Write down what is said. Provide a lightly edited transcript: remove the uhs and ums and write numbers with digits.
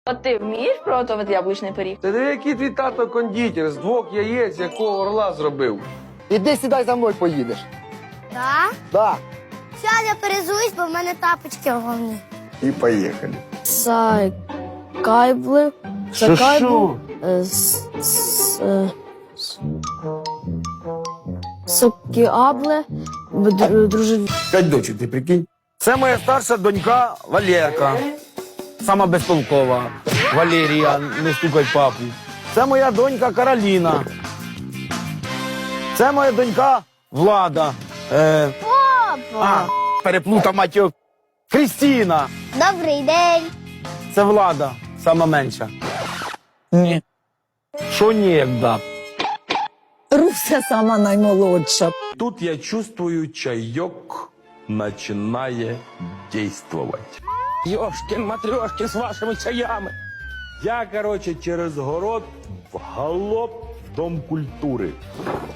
От ти вмієш приготувати яблучний пиріг? Ти диви, який твій тато кондитер з 2 яєць, якого орла зробив. Іди сідай за мною поїдеш. Так? Да. Зараз я перезуюсь, бо в мене тапочки головні. І поїхали. Кайбли. Що? Сокіабле. Друже. 5 дочок, ти прикинь. Це моя старша донька Валерка. Сама безтолкова. Валерія, не стукай папу. Це моя донька Кароліна. Це моя донька Влада. Переплутав матьок. Крістіна. Добрий день. Це Влада, сама менша. Ні. Що ні, як да? Руся сама наймолодша. Тут я чувствую, чайок начинає действовать. Йошкін-матрьошкін з вашими чаями. Я, короче, через город в галоп в Дом культури.